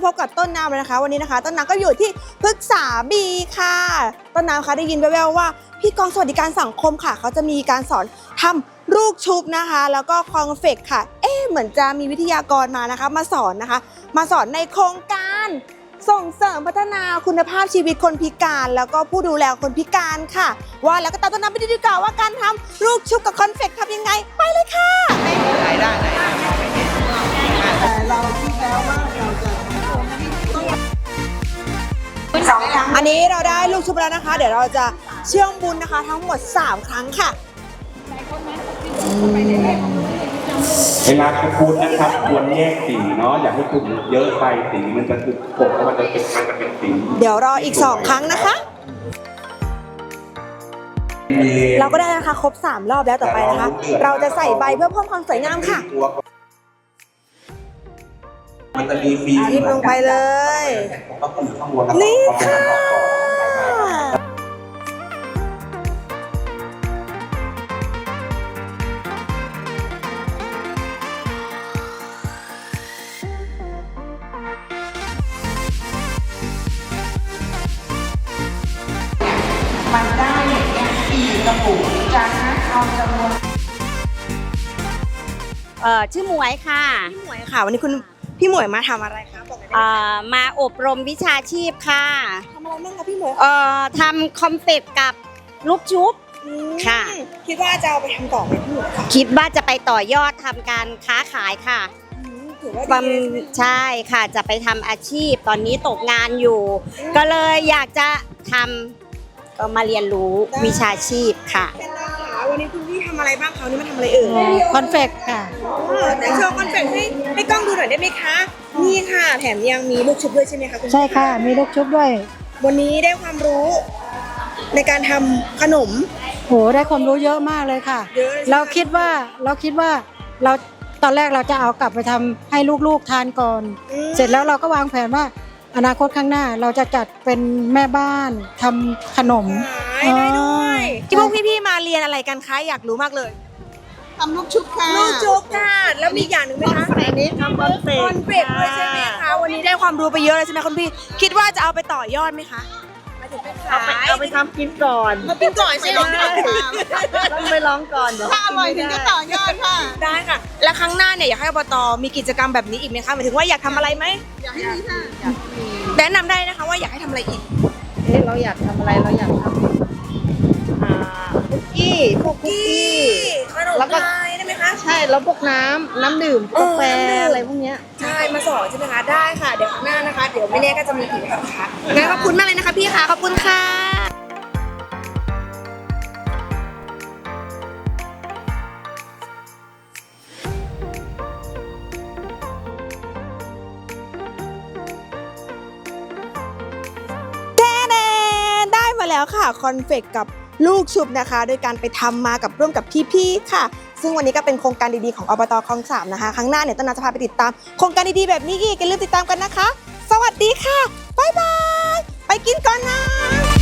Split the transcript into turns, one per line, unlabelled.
พบกับต้นน้ำเลยนะคะวันนี้นะคะต้นน้ำก็อยู่ที่พฤกษาบีค่ะต้นน้ำคะได้ยินแว่วๆว่าพี่กองสวัสดิการสังคมค่ะเขาจะมีการสอนทำลูกชุบนะคะแล้วก็คอนเฟกค่ะเหมือนจะมีวิทยากรมานะคะมาสอนนะคะมาสอนในโครงการส่งเสริมพัฒนาคุณภาพชีวิตคนพิการแล้วก็ผู้ดูแลคนพิการค่ะว่าแล้วก็ตามต้นน้ำไปดูดีกว่าว่าการทำลูกชุบกับคอนเฟกทำยังไงไปเลยค่ะได้แต่เราคิดแล้วว่าเราจะอันนี้เราได้ลูกชุบแล้วนะคะเดี๋ยวเราจะเชื่อมบุญนะคะทั้งหมด3ครั้งค่ะ
เวลาพูดนะครับควรแยกสีเนาะอย่าให้คุณเยอะไปสีมันจะถูกกบมันจะเป็นสี
เดี๋ยวรออีก2ครั้งนะคะเราก็ได้นะคะครบ3รอบแล้วต่อไปนะคะเราจะใส่ใบเพื่อเพิ่มความสวยงามค่ะ
มันจะมีฟี
ทิมลงไปเลยนี่ค่ะ
มันได้อย่างเงี้ย4 กระปุกจากนั้นเอาจำนวน
ชื่อหมวยค่ะ
พี่หมวยค่ะวันนี้คุณพี่หมวยมาทำอะไรคะบอกหน่อยได้ไหม
มาอบรมวิชาชีพค่ะ
ทำอะไรบ้างคะพี่หมวย
ทำคอมเฟกกับลูกชุบค่ะ
คิดว่าจะเอาไปทำต่อไหมพี่หมวยคะ
คิดว่าจะไปต่อยอดทำการค้าขายค่ะ
ถือว่าดี
ใช่ค่ะจะไปทำอาชีพตอนนี้ตกงานอยู่ก็เลยอยากจะทำก็มาเรียนรู้วิชาชีพค่ะ
วันนี้คุณพี่ทำอะไรบ้างคะวันนี้มาทำอะไรเอ่ย
คอนเฟกค่ะ
แต่โชว์คอนเฟกให้กล้องดูหน่อยได้ไหมคะนี่ค่ะแถมยังมีลูกชุบด้วยใช่ไหมคะคุณ
ใช่ค่ะมีลูกชุบด้วย
วันนี้ได้ความรู้ในการทำขนม
โหได้ความรู้เยอะมากเลยค่ะเราคิดว่าเราตอนแรกเราจะเอากลับไปทำให้ลูกๆทานก่อนเสร็จแล้วเราก็วางแผนว่าอนาคตข้างหน้าเราจะจัดเป็นแม่บ้านทำขนม
ได้ด้วยที่พวกพี่ๆมาเรียนอะไรกันคะอยากรู้มากเลย
ทำลูกชุบค่ะ
ลูกชุบค่ะแล้วมีอย่างหนึ่งไหมคะ
อันนี้ทำคอนเฟก
ด้วยใช่ไหมคะวันนี้ได้ความรู้ไปเยอะเลยใช่ไหมคุณพี่คิดว่าจะเอาไปต่อยอดไหมคะ
เอาไปทำกินก่อน
มากินก่อนใช่ไหม
ต้องไปลองก่อนถ้าอร่อยถึงจะต่อยอดค่ะ
ได้ค่ะและครั้งหน้าเนี่ยอยากให้อบต.มีกิจกรรมแบบนี้อีกไหมคะหมายถึงว่าอยากทำอะไรไหม
อยากให้มีค่ะ
แนะนำได้นะคะว่าอยากให้ทำอะไรอีก
เราอยากทำอะไรเราอยากทำคุกกี้พวกคุกกี้
ขนมไทยได้ไหมคะ
ใช่แล้วพวกน้ำดื่มกาแฟอะไรพวกนี้
ใช่มาสอนใช่ไหมคะได้ค่ะเดี๋ยวข้างหน้านะคะเดี๋ยวไม่แน่ก็จะมีอีกนะคะงั้นขอบคุณมากเลยนะคะพี่ค่ะขอบคุณค่ะแล้วค่ะคอนเฟกกับลูกชุบนะคะโดยการไปทำมากับร่วมกับพี่ๆค่ะซึ่งวันนี้ก็เป็นโครงการดีๆของอบต.คลอง 3นะคะครั้งหน้าเนี่ยต้นน้ำจะพาไปติดตามโครงการดีๆแบบนี้อีกอย่าลืมติดตามกันนะคะสวัสดีค่ะบ๊ายบายไปกินก่อนนะ